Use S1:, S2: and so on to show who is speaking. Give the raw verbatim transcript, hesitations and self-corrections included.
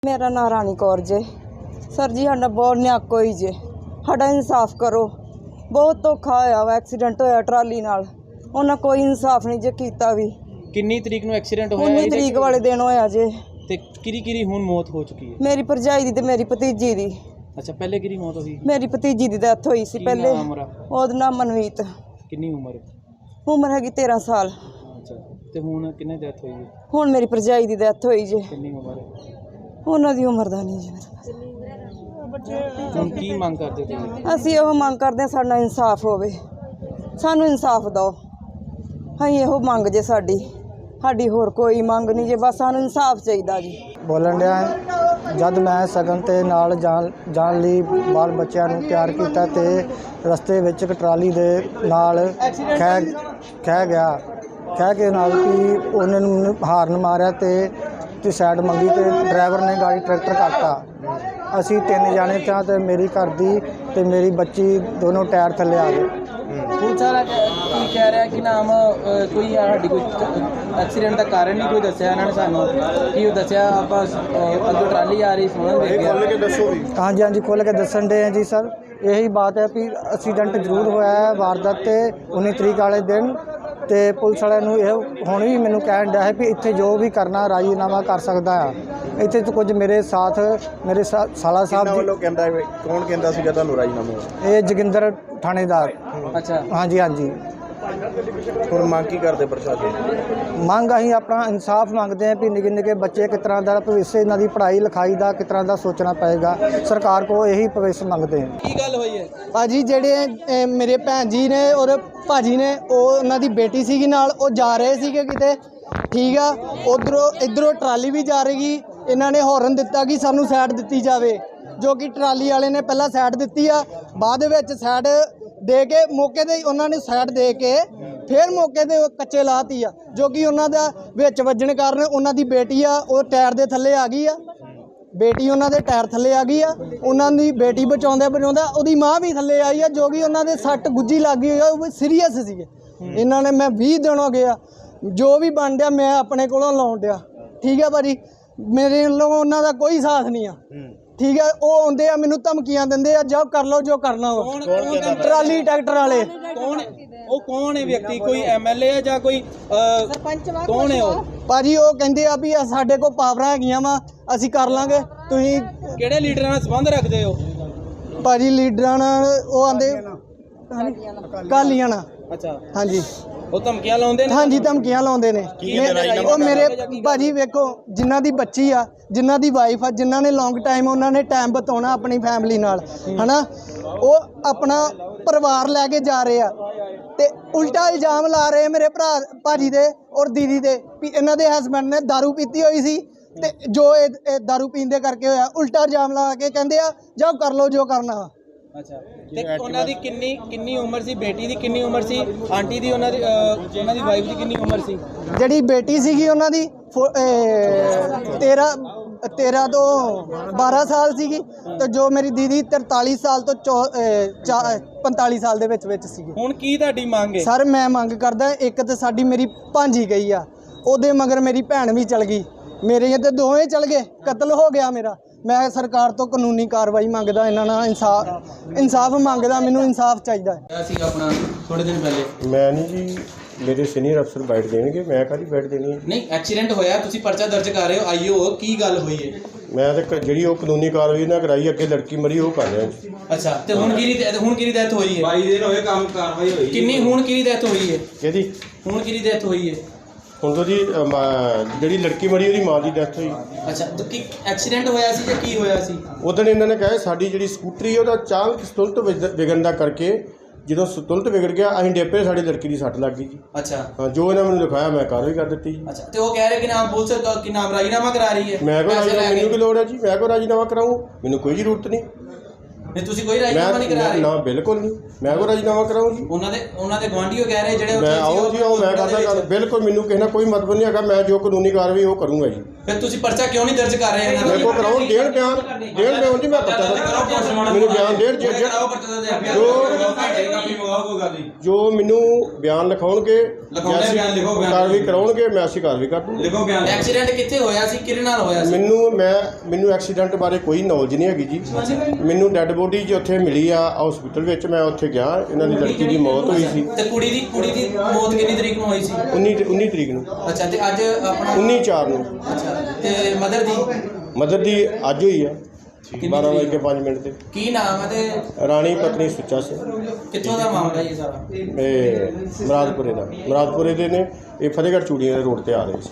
S1: मेरा नाम रानी कौर जे। सर जी साडा बहुत न्याक होई जे, साडा इंसाफ करो। बहुत धोखा होया वा, एक्सीडेंट होया ट्राली नाल, उन्हें कोई इंसाफ नहीं जे कीता भी।
S2: किन्नी तरीक नूं एक्सीडेंट होया?
S1: उन्नी तरीक वाले दिन होया जे।
S2: ते किरी किरी हुण मौत हो चुकी है?
S1: मेरी भरजाई दी ते मेरी भतीजी दी।
S2: अच्छा, पहले किरी मौत होई?
S1: मेरी भतीजी दी डेथ होई सी पहले। ओहदा नाम मनवीत।
S2: किन्नी उम्र?
S1: उम्र हैगी तेरह साल।
S2: अच्छा, ते हुण किन्ने डेथ होई है?
S1: हुण मेरी भरजाई दी डेथ होई जे।
S2: किन्नी उम्र है?
S1: उन्हां दी उम्र दा नहीं जी।
S2: हुण की मंग करदे तुसीं?
S1: ਅਸੀਂ ਇਹੋ ਮੰਗ ਕਰਦੇ ਹਾਂ ਸਾਡਾ ਇਨਸਾਫ ਹੋਵੇ, ਸਾਨੂੰ ਇਨਸਾਫ ਦਿਓ। ਅਸੀਂ ਇਹੋ ਮੰਗ ਜੇ ਸਾਡੀ ਸਾਡੀ ਹੋਰ ਕੋਈ ਮੰਗ ਨਹੀਂ ਜੇ, ਬਸ ਸਾਨੂੰ ਇਨਸਾਫ ਚਾਹੀਦਾ ਜੀ।
S3: ਬੋਲਣ ਡਿਆ ਜਦ ਮੈਂ ਸਗਨ ਤੇ ਨਾਲ ਜਾਣ ਜਾਣ ਲਈ ਬਾਲ ਬੱਚਿਆਂ ਨੂੰ ਤਿਆਰ ਕੀਤਾ ਤੇ ਰਸਤੇ ਵਿੱਚ ਇੱਕ ਟਰਾਲੀ ਦੇ ਨਾਲ ਖਹਿ ਖਹਿ ਗਿਆ ਖਹਿ ਕੇ ਨਾਲ ਕਿ ਉਹਨਾਂ ਨੂੰ ਮੈਨੂੰ ਹਾਰਨ ਮਾਰਿਆ ਤੇ ਤੇ ਸਾਈਡ ਮੰਗੀ ਤੇ ਡਰਾਈਵਰ ਨੇ ਗਾੜੀ ਟਰੈਕਟਰ ਕੱਟਤਾ। ਅਸੀਂ ਤਿੰਨ ਜਾਣੇ ਤਾਂ ਤੇ ਮੇਰੀ ਘਰ ਦੀ ਤੇ ਮੇਰੀ ਬੱਚੀ ਦੋਨੋਂ ਟਾਇਰ ਥੱਲੇ ਆ ਗਏ।
S2: ਪੁਲਿਸ ਵਾਲਾ ਕੀ ਕਹਿ ਰਿਹਾ ਕਿ ਨਾਮ ਕੋਈ ਸਾਡੀ ਕੋਈ ਐਕਸੀਡੈਂਟ ਦਾ ਕਾਰਨ ਨਹੀਂ ਕੋਈ ਦੱਸਿਆ ਇਹਨਾਂ ਨੇ ਸਾਨੂੰ? ਕੀ ਉਹ ਦੱਸਿਆ ਆਪਾਂ ਅੱਗੋਂ ਟਰਾਲੀ ਆ ਰਹੀ ਸੋਹਣਾ ਦੇਖਿਆ?
S3: ਹਾਂਜੀ ਹਾਂਜੀ ਖੋਲ੍ਹ ਕੇ ਦੱਸਣ ਦੇ ਆ ਜੀ ਸਰ। ਇਹੀ ਬਾਤ ਹੈ ਵੀ ਐਕਸੀਡੈਂਟ ਜ਼ਰੂਰ ਹੋਇਆ ਹੈ ਵਾਰਦਾਤ ਤੇ ਉੱਨੀ ਤਰੀਕ ਵਾਲੇ ਦਿਨ। ਤੇ ਪੁਲਿਸ ਵਾਲਿਆਂ ਨੂੰ ਇਹ ਹੁਣ ਵੀ ਮੈਨੂੰ ਕਹਿਣ ਡਿਆ ਹੈ ਵੀ ਇੱਥੇ ਜੋ ਵੀ ਕਰਨਾ ਰਾਜੀਨਾਮਾ ਕਰ ਸਕਦਾ ਆ। ਇੱਥੇ ਤਾਂ ਕੁਝ ਮੇਰੇ ਸਾਥ ਮੇਰੇ ਸਾਲਾ ਸਾਹਿਬ
S4: ਵੱਲੋਂ ਕਹਿੰਦਾ ਕੌਣ ਕਹਿੰਦਾ ਸੀਗਾ ਤੁਹਾਨੂੰ ਰਾਜੀਨਾਮਾ?
S3: ਇਹ ਜੋਗਿੰਦਰ ਥਾਣੇਦਾਰ।
S2: ਅੱਛਾ,
S3: ਹਾਂਜੀ ਹਾਂਜੀ।
S4: ਹੁਣ ਮੰਗ ਕੀ ਕਰਦੇ ਪ੍ਰਸ਼ਾਸਨ?
S3: ਮੰਗ ਅਸੀਂ ਆਪਣਾ ਇਨਸਾਫ ਮੰਗਦੇ ਹਾਂ ਵੀ ਨਿੱਕੇ ਨਿੱਕੇ ਬੱਚੇ ਕਿਸ ਤਰ੍ਹਾਂ ਦਾ ਭਵਿੱਖ ਇਹਨਾਂ ਦੀ ਪੜ੍ਹਾਈ ਲਿਖਾਈ ਦਾ ਕਿਸ ਤਰ੍ਹਾਂ ਦਾ ਸੋਚਣਾ ਪਏਗਾ। ਸਰਕਾਰ ਕੋਲ ਇਹੀ ਭਵਿੱਖ ਮੰਗਦੇ ਹਾਂ।
S2: ਕੀ ਗੱਲ ਹੋਈ ਹੈ
S5: ਭਾਜੀ? ਜਿਹੜੇ ਅ, ਮੇਰੇ ਭੈਣ ਜੀ ਨੇ ਔਰ ਭਾਜੀ ਨੇ, ਉਹ ਉਹਨਾਂ ਦੀ ਬੇਟੀ ਸੀਗੀ ਨਾਲ, ਉਹ ਜਾ ਰਹੇ ਸੀਗੇ ਕਿਤੇ, ਠੀਕ ਆ। ਉਧਰੋਂ ਇੱਧਰੋਂ ਟਰਾਲੀ ਵੀ ਜਾ ਰਹੀ। ਇਹਨਾਂ ਨੇ ਹੌਰਨ ਦਿੱਤਾ ਕਿ ਸਾਨੂੰ ਸਾਈਡ ਦਿੱਤੀ ਜਾਵੇ, ਜੋ ਕਿ ਟਰਾਲੀ ਵਾਲੇ ਨੇ ਪਹਿਲਾਂ ਸਾਈਡ ਦਿੱਤੀ ਆ, ਬਾਅਦ ਵਿੱਚ ਸਾਈਡ ਦੇ ਕੇ ਮੌਕੇ 'ਤੇ ਉਹਨਾਂ ਨੇ ਸਾਈਡ ਦੇ ਕੇ ਫਿਰ ਮੌਕੇ 'ਤੇ ਕੱਚੇ ਲਾਤੀ ਆ, ਜੋ ਕਿ ਉਹਨਾਂ ਦਾ ਵਿੱਚ ਵੱਜਣ ਕਾਰਨ ਉਹਨਾਂ ਦੀ ਬੇਟੀ ਆ ਉਹ ਟਾਇਰ ਦੇ ਥੱਲੇ ਆ ਗਈ ਆ। ਬੇਟੀ ਉਹਨਾਂ ਦੇ ਟਾਇਰ ਥੱਲੇ ਆ ਗਈ ਆ। ਉਹਨਾਂ ਦੀ ਬੇਟੀ ਬਚਾਉਂਦੇ ਬਚਾਉਂਦਾ ਉਹਦੀ ਮਾਂ ਵੀ ਥੱਲੇ ਆਈ ਆ, ਜੋ ਕਿ ਉਹਨਾਂ ਦੇ ਸੱਟ ਗੁੱਜੀ ਲੱਗ ਗਈ ਆ, ਉਹ ਸੀਰੀਅਸ ਸੀਗੇ। ਇਹਨਾਂ ਨੇ ਮੈਂ ਵੀਹ ਦਿਨ ਹੋ ਗਏ ਆ, ਜੋ ਵੀ ਬਣ ਡਿਆ ਮੈਂ ਆਪਣੇ ਕੋਲੋਂ ਲਾਉਣ ਡਿਆ, ਠੀਕ ਆ ਭਾਜੀ। ਮੇਰੇ ਵੱਲੋਂ ਉਹਨਾਂ ਦਾ ਕੋਈ ਸਾਥ ਨਹੀਂ ਆ, ਠੀਕ ਹੈ। ਉਹ ਆਉਂਦੇ ਆ ਮੈਨੂੰ ਧਮਕੀਆਂ ਦਿੰਦੇ ਆ, ਜਾਓ ਕਰ ਲਓ ਜੋ ਕਰਨਾ ਵਾ। ਟਰਾਲੀ ਟਰੈਕਟਰ ਵਾਲੇ।
S2: ਕੌਣ ਉਹ? ਕੌਣ ਹੈ ਵਿਅਕਤੀ? ਕੋਈ ਐਮਐਲਏ ਹੈ ਜਾਂ ਕੋਈ ਸਰਪੰਚ? ਕੌਣ ਹੈ ਉਹ?
S5: ਭਾਜੀ ਉਹ ਕਹਿੰਦੇ ਆ ਵੀ ਸਾਡੇ ਕੋਲ ਪਾਵਰਾਂ ਹੈਗੀਆਂ ਵਾ, ਅਸੀਂ ਕਰ ਲਾਂਗੇ। ਤੁਸੀਂ
S2: ਕਿਹੜੇ ਲੀਡਰਾਂ ਨਾਲ ਸੰਬੰਧ ਰੱਖਦੇ ਹੋ?
S5: ਭਾਜੀ ਲੀਡਰਾਂ ਨਾਲ ਉਹ ਆਂਦੇ ਕਾਲੀਆਂ ਨਾਲ।
S2: ਅੱਛਾ,
S5: ਹਾਂਜੀ।
S2: ਉਹ ਧਮਕੀਆਂ ਲਾਉਂਦੇ ਨੇ?
S5: ਹਾਂਜੀ ਧਮਕੀਆਂ ਲਾਉਂਦੇ ਨੇ। ਉਹ ਮੇਰੇ ਭਾਜੀ ਵੇਖੋ, ਜਿਨ੍ਹਾਂ ਦੀ ਬੱਚੀ ਆ, ਜਿਨ੍ਹਾਂ ਦੀ ਵਾਈਫ ਆ, ਜਿਨ੍ਹਾਂ ਨੇ ਲੌਂਗ ਟਾਈਮ ਉਹਨਾਂ ਨੇ ਟਾਈਮ ਬਿਤਾਉਣਾ ਆਪਣੀ ਫੈਮਿਲੀ ਨਾਲ, ਹਨਾ, ਉਹ ਆਪਣਾ ਪਰਿਵਾਰ ਲੈ ਕੇ ਜਾ ਰਹੇ ਆ ਤੇ ਉਲਟਾ ਇਲਜ਼ਾਮ ਲਾ ਰਹੇ ਮੇਰੇ ਭਰਾ ਭਾਜੀ ਦੇ ਔਰ ਦੀਦੀ ਦੇ ਵੀ ਇਹਨਾਂ ਦੇ ਹਸਬੈਂਡ ਨੇ ਦਾਰੂ ਪੀਤੀ ਹੋਈ ਸੀ ਤੇ ਜੋ ਇਹ ਦਾਰੂ ਪੀਣ ਦੇ ਕਰਕੇ ਹੋਇਆ। ਉਲਟਾ ਇਲਜ਼ਾਮ ਲਾ ਕੇ ਕਹਿੰਦੇ ਆ ਜਾਓ ਕਰ ਲਓ ਜੋ ਕਰਨਾ ਵਾ।
S2: ਅੱਛਾ, ਤੇ ਉਹਨਾਂ ਦੀ ਕਿੰਨੀ ਕਿੰਨੀ ਉਮਰ ਸੀ? ਬੇਟੀ ਦੀ ਕਿੰਨੀ ਉਮਰ ਸੀ? ਆਂਟੀ ਦੀ, ਉਹਨਾਂ ਦੀ ਉਹਨਾਂ ਦੀ ਵਾਈਫ ਦੀ ਕਿੰਨੀ ਉਮਰ ਸੀ?
S5: ਜਿਹੜੀ ਬੇਟੀ ਸੀਗੀ ਉਹਨਾਂ ਦੀ ਤੇਰ੍ਹਾਂ ਤੇਰ੍ਹਾਂ ਤੋਂ ਬਾਰਾਂ ਸਾਲ ਸੀਗੀ ਤੇ ਜੋ ਮੇਰੀ ਦੀਦੀ ਤਰਤਾਲੀ ਸਾਲ ਤੋਂ ਪੰਤਾਲੀ ਸਾਲ ਦੇ ਵਿੱਚ ਵਿੱਚ ਸੀਗੀ।
S2: ਹੁਣ ਕੀ ਤੁਹਾਡੀ ਮੰਗ ਹੈ?
S5: ਸਰ ਮੈਂ ਮੰਗ ਕਰਦਾ, ਇੱਕ ਤਾਂ ਸਾਡੀ ਮੇਰੀ ਭਾਂਜੀ ਗਈ ਆ, ਉਹਦੇ ਮਗਰ ਮੇਰੀ ਭੈਣ ਵੀ ਚਲ ਗਈ, ਮੇਰੇ ਤੇ ਦੋਵੇਂ ਚਲ ਗਏ, ਕਤਲ ਹੋ ਗਿਆ ਮੇਰਾ। ਮੈਂ ਸਰਕਾਰ ਤੋਂ ਕਾਨੂੰਨੀ ਕਾਰਵਾਈ ਮੰਗਦਾ, ਇਹਨਾਂ ਨਾਲ ਇਨਸਾਫ ਇਨਸਾਫ ਮੰਗਦਾ, ਮੈਨੂੰ ਇਨਸਾਫ ਚਾਹੀਦਾ ਹੈ।
S2: ਅਸੀਂ ਆਪਣਾ ਥੋੜੇ ਦਿਨ ਪਹਿਲੇ
S4: ਮੈਂ ਨਹੀਂ ਜੀ, ਮੇਰੇ ਸੀਨੀਅਰ ਅਫਸਰ ਬੈਠ ਦੇਣਗੇ, ਮੈਂ ਕਾਹਦੀ ਬੈਠ ਦੇਣੀ ਹੈ?
S2: ਨਹੀਂ, ਐਕਸੀਡੈਂਟ ਹੋਇਆ, ਤੁਸੀਂ ਪਰਚਾ ਦਰਜ ਕਰ ਰਹੇ ਹੋ, ਆਈਓ ਕੀ ਗੱਲ ਹੋਈ ਹੈ?
S4: ਮੈਂ ਤਾਂ ਜਿਹੜੀ ਉਹ ਕਾਨੂੰਨੀ ਕਾਰਵਾਈ ਨਾ ਕਰਾਈ, ਅੱਗੇ ਲੜਕੀ ਮਰੀ ਉਹ ਕਰ ਰਿਹਾ ਜੀ।
S2: ਅੱਛਾ, ਤੇ ਹੁਣ ਕਿਹਦੀ ਹੁਣ ਕਿਹਦੀ ਡੈਥ ਹੋਈ ਹੈ?
S6: ਬਾਈ ਦਿਨ ਹੋਏ ਕੰਮ ਕਾਰਵਾਈ ਹੋਈ।
S2: ਕਿੰਨੀ ਹੁਣ ਕਿਹਦੀ ਡੈਥ ਹੋਈ ਹੈ?
S4: ਕਿਹਦੀ?
S2: ਹੁਣ ਕਿਹਦੀ ਡੈਥ ਹੋਈ ਹੈ?
S4: ਹੁਣ ਤੋਂ ਜੀ ਜਿਹੜੀ ਲੜਕੀ ਮਰੀ ਉਹਦੀ ਮਾਂ ਦੀ ਡੈਥ ਹੋਈ।
S2: ਅੱਛਾ, ਤਾਂ ਕੀ ਐਕਸੀਡੈਂਟ ਹੋਇਆ ਸੀ ਜਾਂ ਕੀ ਹੋਇਆ ਸੀ?
S4: ਉਦੋਂ ਇਹਨਾਂ ਨੇ ਕਿਹਾ ਸਾਡੀ ਜਿਹੜੀ ਸਕੂਟਰੀ ਉਹਦਾ ਅਚਾਨਕ ਸੰਤੁਲਤ ਵਿਗੜਨ ਦਾ ਕਰਕੇ ਜਦੋਂ ਸੰਤੁਲਤ ਵਿਗੜ ਗਿਆ ਅਸੀਂ ਡੇਪੇ, ਸਾਡੀ ਲੜਕੀ ਦੀ ਸੱਟ ਲੱਗ ਗਈ ਜੀ।
S2: ਅੱਛਾ,
S4: ਹਾਂ, ਜੋ ਇਹਨਾਂ ਮੈਨੂੰ ਲਿਖਾਇਆ ਮੈਂ ਕਾਰਵਾਈ ਕਰ ਦਿੱਤੀ ਜੀ।
S2: ਅੱਛਾ, ਤੇ ਉਹ ਕਹਿ ਰਹੇ ਕਿ ਨਾਮ ਪੁਲਿਸ ਕਿ ਨਾਮ ਰਾਜੀਨਾਮਾ ਕਰਾ ਰਹੀ ਹੈ।
S4: ਮੈਂ ਕੋਈ ਰਾਜੀਨਾਮਾ, ਮੈਨੂੰ ਕੀ ਲੋੜ ਹੈ ਜੀ? ਮੈਂ ਕੋਈ ਰਾਜੀਨਾਮਾ ਕਰਾਊਂ? ਮੈਨੂੰ ਕੋਈ ਜ਼ਰੂਰਤ ਨਹੀਂ।
S2: ਨਹੀਂ ਤੁਸੀਂ ਕੋਈ ਰਾਜੀਨਾਮਾ ਨਹੀਂ ਕਰਾ
S4: ਮੈਂ
S2: ਰਹੇ?
S4: ਨਾ ਬਿਲਕੁਲ ਨਹੀਂ, ਮੈਂ ਕੋਈ ਰਾਜੀਨਾਮਾ ਕਰਾਉਂ ਜੀ।
S2: ਉਹਨਾਂ ਦੇ ਉਹਨਾਂ ਦੇ ਗੁਆਂਢੀਓ ਕਹਿ ਰਹੇ ਜਿਹੜੇ ਉੱਥੇ
S4: ਮੈਂ
S2: ਸੀ,
S4: ਆਓ ਜੀ ਆਓ, ਮੈਂ ਕਰਦਾ ਗੱਲ, ਬਿਲਕੁਲ ਮੈਨੂੰ ਕਿਸੇ ਨਾਲ ਕੋਈ ਮਤਲਬ ਨਹੀਂ ਹੈਗਾ। ਮੈਂ ਜੋ ਕਾਨੂੰਨੀ ਕਾਰਵਾਈ ਉਹ ਕਰੂੰਗਾ ਜੀ।
S2: ਫਿਰ ਤੁਸੀਂ ਪਰਚਾ ਕਿਉਂ ਨਹੀਂ ਦਰਜ ਕਰ ਰਹੇ ਇਹਨਾਂ ਦਾ?
S4: ਮੇਰੇ ਕੋਲ ਕਰਾਉਣ ਦੇਣ ਬਿਆਨ ਦੇਣ ਬਿਆਨ ਜੀ, ਮੈਂ ਪਰਚਾ ਦਰਜ- ਮੈਨੂੰ ਬਿਆਨ ਦੇਣ ਜੇ- ਜੇ- ਜੋ ਜੋ ਮੈਨੂੰ ਬਿਆਨ ਲਿਖਾਉਣਗੇ, ਜੈਸੀ ਕਾਰਵਾਈ ਕਰਾਉਣਗੇ, ਮੈਂ ਅਸੀਂ ਕਾਰਵਾਈ ਕਰ ਦੂੰਗਾ।
S2: ਐਕਸੀਡੈਂਟ ਕਿੱਥੇ ਹੋਇਆ ਸੀ, ਕਿਹਦੇ ਨਾਲ ਹੋਇਆ ਸੀ?
S4: ਮੈਨੂੰ ਮੈਂ ਮੈਨੂੰ ਐਕਸੀਡੈਂਟ ਬਾਰੇ ਕੋਈ ਨੌਲੇਜ ਨਹੀਂ ਹੈਗੀ ਜੀ। ਮੈਨੂੰ ਡੈੱਡ ਬੋਡੀ ਜੀ ਉੱਥੇ ਮਿਲੀ ਆ ਹਸਪੀਟਲ ਵਿੱਚ, ਮੈਂ ਉੱਥੇ ਗਿਆ, ਇਹਨਾਂ ਦੀ ਲੜਕੀ ਦੀ ਮੌਤ ਹੋਈ ਸੀ।
S2: ਤੇ ਕੁੜੀ ਦੀ ਕੁੜੀ ਦੀ ਮੌਤ ਕਿੰਨੀ ਤਰੀਕ ਨੂੰ ਹੋਈ ਸੀ?
S4: ਉੱਨੀ ਉੱਨੀ ਤਰੀਕ ਨੂੰ,
S2: ਅੱਛਾ, ਤੇ ਅੱਜ ਆਪਣਾ
S4: ਉੱਨੀ ਚਾਰ ਨੂੰ।
S2: ਅੱਛਾ, ਤੇ ਮਦਰ ਦੀ
S4: ਮਦਰ ਦੀ ਅੱਜ ਹੋਈ ਆ
S2: ਕਿੰਨੀ
S4: ਬਾਰਾਂ ਵਜੇ ਕੇ
S2: ਤਰੀਕ?
S4: ਪੰਜ ਮਿੰਟ ਤੇ।
S2: ਕੀ ਨਾਮ ਹੈ ਤੇ
S4: ਰਾਣੀ ਪਤਨੀ ਸੁੱਚਾ ਸਿੰਘ,
S2: ਕਿੱਥੋਂ ਦਾ ਮਾਮਲਾ ਇਹ ਸਾਰਾ?
S4: ਇਹ ਮੁਰਾਦਪੁਰੇ ਦਾ ਮੁਰਾਦਪੁਰੇ ਦੇ ਨੇ। ਇਹ ਫਤਿਹਗੜ੍ਹ ਚੂੜੀਆਂ ਦੇ ਰੋਡ ਤੇ ਆ ਰਹੇ ਸੀ।